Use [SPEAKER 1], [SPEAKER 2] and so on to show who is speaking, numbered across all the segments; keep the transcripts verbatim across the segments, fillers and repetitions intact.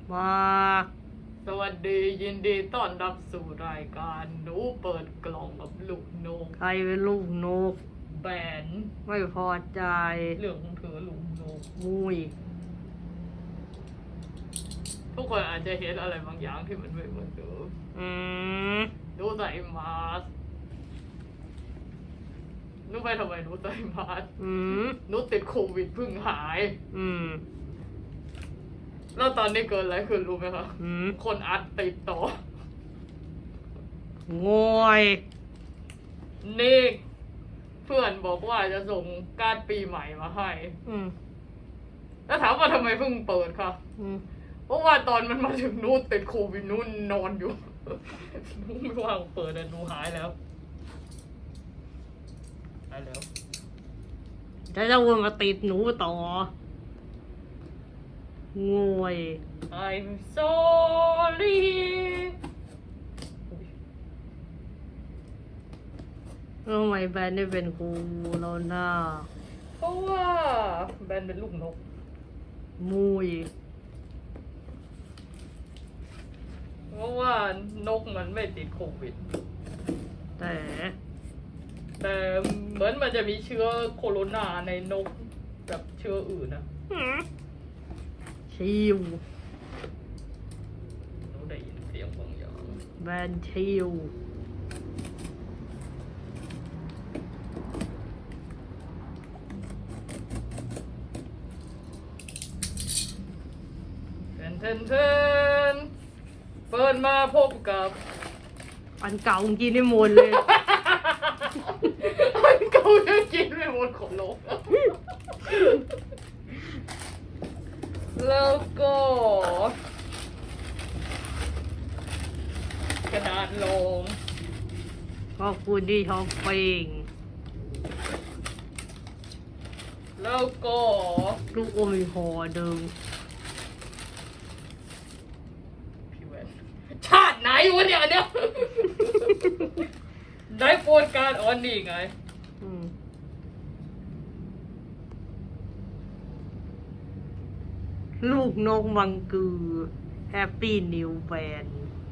[SPEAKER 1] มา
[SPEAKER 2] สวัสดียินดีต้อนรับสู่รายการหนูเปิดกล่องกับลูกนก
[SPEAKER 1] ใครเป็นลูกนก
[SPEAKER 2] แบน
[SPEAKER 1] ไม่พอใจ
[SPEAKER 2] เรื่องของเธอลูกนก
[SPEAKER 1] มุย
[SPEAKER 2] ทุกคนอาจจะเห็นอะไรบางอย่างที่มันไม่เหมือนเดิม
[SPEAKER 1] อืม
[SPEAKER 2] ดูใส่มาสนูไปทำไมนูใส่มาส
[SPEAKER 1] อืม
[SPEAKER 2] นูติดโควิดเพิ่งหาย
[SPEAKER 1] อืม
[SPEAKER 2] แล้วตอนนี้เกิดอะไรขึ้นรู้ไหมคะ
[SPEAKER 1] อืม
[SPEAKER 2] คนอัดติดต่อ
[SPEAKER 1] งอย
[SPEAKER 2] นี่เพื่อนบอกว่าจะส่งการ์ดปีใหม่มาให้
[SPEAKER 1] อืม
[SPEAKER 2] แล้วถามว่าทำไมเพิ่งเปิดค่ะ
[SPEAKER 1] อืม
[SPEAKER 2] เพราะว่าตอนมันมาถึงนู้นติดโควิดนู้นนอนอยู่นู้นไม่ว่างเปิดแต่นูหายแล้วหายแล้ว
[SPEAKER 1] จะจะวนมาติดหนูต่อ งวย
[SPEAKER 2] I'm sorry
[SPEAKER 1] ทำไมแบนได้เป็นครูแล้วหน้า
[SPEAKER 2] เพราะว่าแบนเป็นลูกนก
[SPEAKER 1] มุย
[SPEAKER 2] เพราะว่านกมันไม่ติดโควิด
[SPEAKER 1] แต่
[SPEAKER 2] แต่เหมือนมันจะมีเชื้อโคโรนาในนกแบบเชื้ออื่นนะ
[SPEAKER 1] ชิว
[SPEAKER 2] เราได้ยินเสียงบางอย่าง
[SPEAKER 1] แบนชิว
[SPEAKER 2] เทนเทนเทนเปิดมาพบกับ
[SPEAKER 1] อันเก่ากินได้หมดเลย
[SPEAKER 2] อันเก่าจะกินไม่หมดของนกแล้วก็กระดาษลง
[SPEAKER 1] ขอบคุณที่ช้อปปิ้ง
[SPEAKER 2] แล้วก็
[SPEAKER 1] ลูกอมอีกห่อหนึ่ง
[SPEAKER 2] พี่แวนชาติไหนวะเนี่ยเนี่ยได้โปรดการออนนี่ไง
[SPEAKER 1] อืมลูกนกมังกือแฮปปี้นิวแบน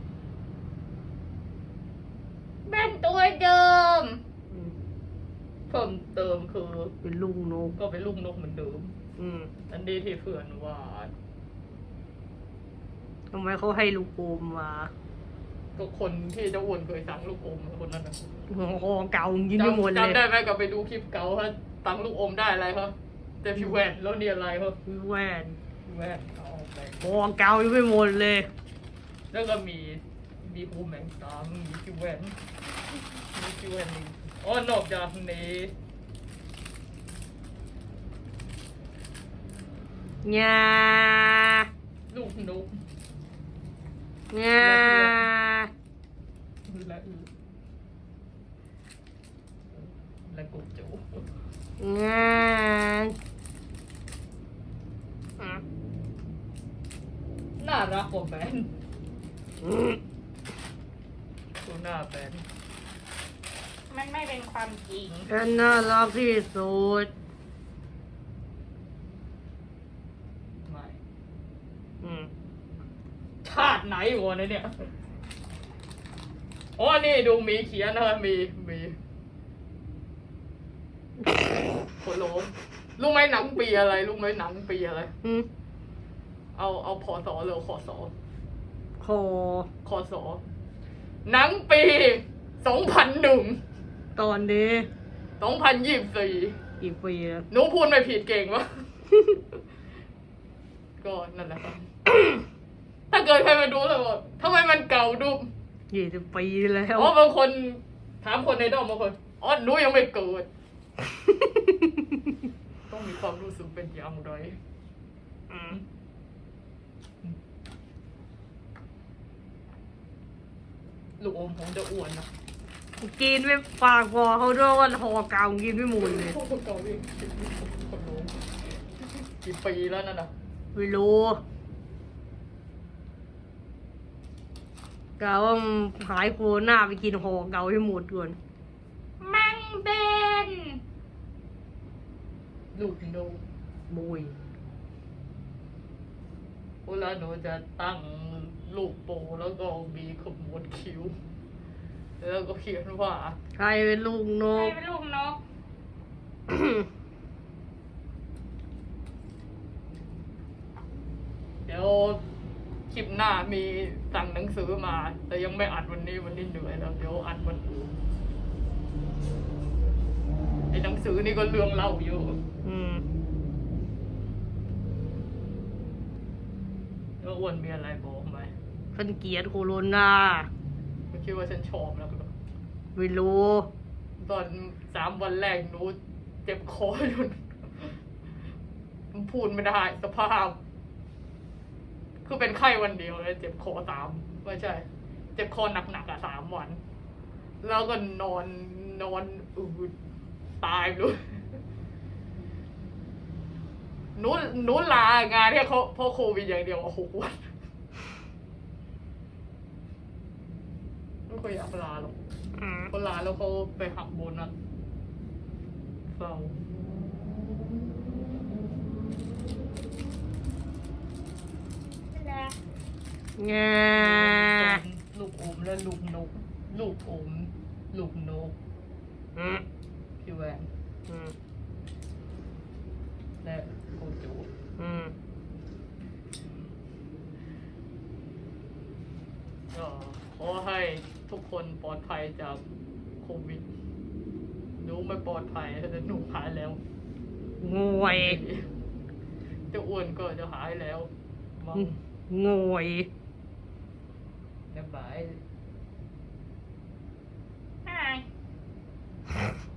[SPEAKER 2] แบนตัวเดิมเพิ่มเติมคือ
[SPEAKER 1] เป็นลูกนก
[SPEAKER 2] ก็เป็นลูกนกเหมือนเดิม
[SPEAKER 1] อืม
[SPEAKER 2] อันนี้ที่เพื่อนวาด
[SPEAKER 1] ทำไมเขาให้ลูกอมมา
[SPEAKER 2] ก็คนที่เจ้าอ้วนเคยสั่งลูกอมคนนั้นนะ
[SPEAKER 1] ห่อเก่ายินดีหมดเลย
[SPEAKER 2] จำได้ไหมกับไปดูคลิปเก่าฮะตังลูกอมได้อะไรครับแต่พี่แวนแล้วเนี่ยอะไรครับ
[SPEAKER 1] พี่แวน
[SPEAKER 2] พี่แวนเอาไป
[SPEAKER 1] ห่อเก่ายังไม่หมดเลย
[SPEAKER 2] แล้วก็มีมีคูแมงตามมีพี่แวนมีพี่แวนนี่อ๋อนอกจากนี้
[SPEAKER 1] ญา
[SPEAKER 2] ลูกนก
[SPEAKER 1] ญา
[SPEAKER 2] และอือและกุจู
[SPEAKER 1] ญา
[SPEAKER 2] น่ารักกว่าแบนดูหน้าแบนมันไม่เป็นความจริง
[SPEAKER 1] ฉันน่ารักที่สุด
[SPEAKER 2] ไม่
[SPEAKER 1] อืม
[SPEAKER 2] ชาติไหนวะเนี่ยอ๋อนี่ดูมีเขียนนะมีมีโคโลมรู้ไหมหนังปีอะไรรู้ไหมหนังปีอะไร
[SPEAKER 1] อืม
[SPEAKER 2] เอาเอาพอสอหรือขอสอ
[SPEAKER 1] คอ
[SPEAKER 2] คอสอหนังปีสองพันหนึ่ง
[SPEAKER 1] ตอนนี้
[SPEAKER 2] สองพันยี่สิบสี่
[SPEAKER 1] กี่ปีแล้ว
[SPEAKER 2] หนูพูดไม่ผิดเก่งวะ ก็นั่นแหละครับ ถ้าเกิดใครมาดูแล้วบอกทำไมมันเก่าดู
[SPEAKER 1] ยี่สิบปีแล้ว
[SPEAKER 2] อ๋อบางคนถามคนในด้อมบางคนอ๋อหนูยังไม่เกิด ต้องมีความรู้สึกเป็นอย่างไรลูกอมผมจะอ้วนนะ
[SPEAKER 1] กินไม่ปากพอเขาด้วยว่าห่อเก่ากินไม่หมดเลย
[SPEAKER 2] เก่าดิกี่ปีแล้วนั่นน่ะ
[SPEAKER 1] ไม่รู้กะว่าหายโควิดไปกินห่อเก่าให้หมดก่อน
[SPEAKER 2] มังเบนลูกนก
[SPEAKER 1] บุย
[SPEAKER 2] โอเวลาหนูจะตั้งลูกโปแล้วก็มีขมวดคิ้ว แล้วก็เขียนว่า
[SPEAKER 1] ใครเป็นลูกน
[SPEAKER 2] ใคร
[SPEAKER 1] ก
[SPEAKER 2] เป็นลูกนก เดี๋ยวคลิปหน้ามีสั่งหนังสือมา แต่ยังไม่อัดวันนี้วันนี้เหนื่อยแล้วเดี๋ยวอัดวันอื่นไอ้หนังสือนี่ก็เรื่องเล่าอยู่
[SPEAKER 1] อืม
[SPEAKER 2] แล้วอ้วนมีอะไรบอกไหม
[SPEAKER 1] ฉันเกลียดโคโรนา
[SPEAKER 2] ไม่คิดว่าฉันชอบแล้วเหรอ
[SPEAKER 1] ไม่รู้
[SPEAKER 2] ตอนสามวันแรกหนูเจ็บคอจนมันพูดไม่ได้สภาพ คือเป็นไข้วันเดียวเลยเจ็บคอสามไม่ใช่ เจ็บคอหนักๆอ่ะสามวัน แล้วก็นอนนอนอืดตายเลยหนูหนูลางานเนี่ยเขาเพราะโควิดอย่างเดียวหกวันไม่ค่อยอยากลาหรอก
[SPEAKER 1] อืม
[SPEAKER 2] เขาลาแล้วเขาไปหักโบนัสเศร้า
[SPEAKER 1] แง
[SPEAKER 2] ลูกอมและลูกนก ลูกอม ลูกนก
[SPEAKER 1] อืม
[SPEAKER 2] พี่แวน
[SPEAKER 1] อืม
[SPEAKER 2] และโกจู
[SPEAKER 1] อืม
[SPEAKER 2] ก็ขอให้ทุกคนปลอดภัยจากโควิดหนูไม่ปลอดภัยแต่หนูหายแล้ว
[SPEAKER 1] งวย
[SPEAKER 2] เจ้าอ้วนก็จะหายแล้วมั้ง
[SPEAKER 1] งวย
[SPEAKER 2] เรียบร้อย Hi